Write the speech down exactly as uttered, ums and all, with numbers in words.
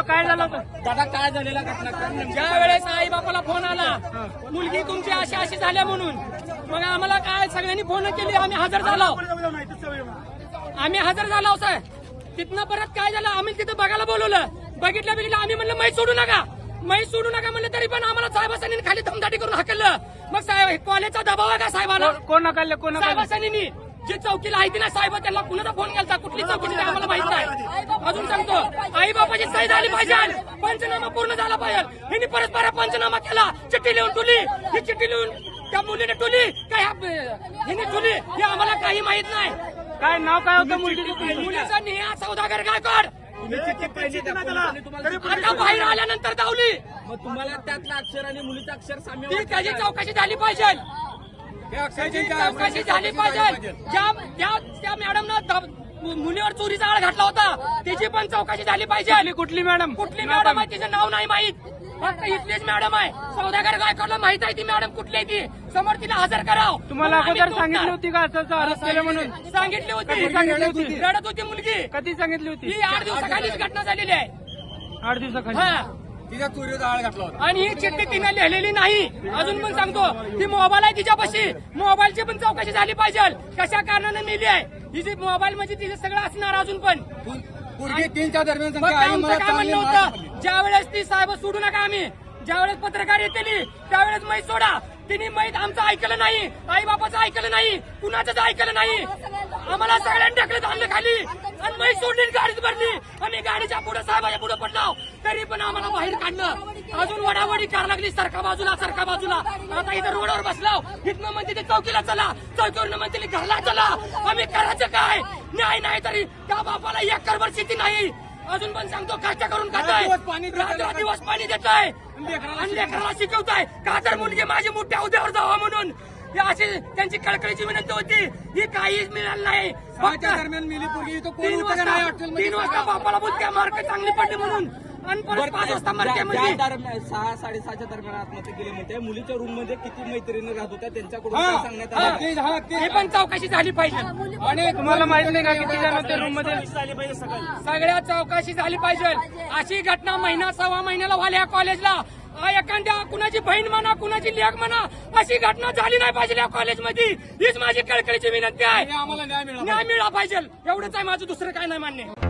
होतं, काय झालं होतं दादा? काय झालेला घटना? ज्या वेळेस आई बापाला फोन आला मुलगी तुमची अशी अशी झाल्या म्हणून, मग आम्हाला काय सगळ्यांनी फोन केली, आम्ही हजर झालो आम्ही हजर झालो साहेब. तिथनं परत काय झालं, आम्ही तिथं बघायला बोलवलं, बघितलं बघितलं आम्ही म्हणलं मै सोडू नका मै सोडू नका म्हणलं, तरी पण आम्हाला साहेबांनी खाली धमदाटी करून हाकललं. मग साहेब कॉलेजचा दबाव आहे का साहेबाला? कोण नकाल कोण साहेबांनी जी चौकीला आहे ती ना साहेब त्यांना कुणाचा फोन केला, कुठली चौकी आम्हाला माहित नाही. अजून सांगतो आई बापाची सही झाली पाहिजे, पंचनामा पूर्ण झाला पाहिजे. यांनी परत परत पंचनामा केला, चिठ्ठी लिहून ठेवली, ही चिठ्ठी लिहून त्या मुलीने ठेवली काय हिने ठेवली हे आम्हाला काही माहित नाही. काय नाव काय होतं मुलगीचं? मुलीचा नेहा सौदागर गायकवाड. आता बाहेर आल्यानंतर धावली. मग तुम्हाला त्यातलं अक्षर आणि मुलीचं अक्षर साम्य ती त्याची चौकशी झाली पाहिजे, त्याची चौकशी झाली पाहिजे. ज्या त्या त्या मॅडमनं मुलीवर चोरीचा आळ घातला होता त्याची पण चौकशी झाली पाहिजे. कुठली मॅडम? कुठली मॅडम आहे तिचं नाव नाही माहित, फक्त इथलीच मॅडम आहे. सौदागर गायकवाडला माहित आहे ती मॅडम कुठली आहे ती, समोर तिला हजर करावं. तुम्हाला अगोदर सांगितली होती का असं अरेस्ट केलं म्हणून? सांगितली होती. कधी सांगितली होती? रडत होती मुलगी. कधी सांगितली होती? ही आठ दिवसाखालीच घटना झालेली आहे. आठ दिवसाखाली हा, तिच्या चोरीचा आळ घातला होता. आणि ही चिठ्ठी तिने लिहिलेली नाही. अजून पण सांगतो ती मोबाईल आहे तिच्यापाशी, मोबाईलची पण चौकशी झाली पाहिजे, कशा कारणाने मिली आहे ही जी मोबाईल म्हणजे तिचं सगळं असणार अजून पण. पूर्वी तीनच्या दरम्यान मग संख्या आई आमचं मला काय चांगली म्हणणं माहिती होतं, ज्या वेळेस ती साहेब सोडू नका आम्ही, ज्यावेळेस पत्रकार येतील त्यावेळेस मै सोडा, तिने मैत आमचं ऐकलं नाही, आई बापाचं ऐकलं नाही, कुणाचंच ऐकलं नाही. आम्हाला सगळ्यांनी ढकलत आणलं खाली आणि मै सोडली, गाडीत भरली. आम्ही गाडीच्या पुढे साहेबाच्या पुढे पडलो, तरी पण आम्हाला बाहेर काढलं. अजून वडावडी करायला लागली, सरका बाजूला सरका बाजूला. आता इथं रोडवर बसलो, इथनं म्हणते ते चौकीला चला, चौकीवरनं म्हणते घरला चला. आम्ही करायचं काय? न्याय नाही तरी त्या बापाला एक करभर शेती नाही. अजून पण सांगतो कष्ट करून खाताय, रात्र दिवस पाणी देताय आणि लेकराला शिकवताय का तर मुलगी माझी मोठ्या हुद्द्यावर जावा म्हणून. ही अशी त्यांची कळकळीची विनंती होती, ही काहीच मिळालं नाही. फक्त दरम्यान मिली पूर्वी इथं कोण तीन होतं का नाही वाजता तीन वाजता बापाला बोलत्या मार्क चांगली पडली म्हणून, आणि परत पाच वाजता मार्केमध्ये दरम्यान सहा साडेसहाच्या दरम्यान आत्महत्या केली म्हणते. मुलीच्या रूम मध्ये किती मैत्रिणी राहत होत्या त्यांच्याकडून काय सांगण्यात आलं? हे पण चौकशी झाली पाहिजे. आणि तुम्हाला माहित नाही का किती जण होते रूम मध्ये? सगळ्या चौकशी झाली पाहिजे. अशी घटना महिना सव्वा महिन्याला व्हाल्या कॉलेजला. एखाद्या कुणाची बहीण म्हणा, कुणाची लेक म्हणा, अशी घटना झाली नाही पाहिजे या कॉलेजमध्ये. हीच माझी कळकळीची विनंती आहे. आम्हाला न्याय मिळाला न्याय मिळाला पाहिजे, एवढंच आहे माझं, दुसरं काय नाही मान्य.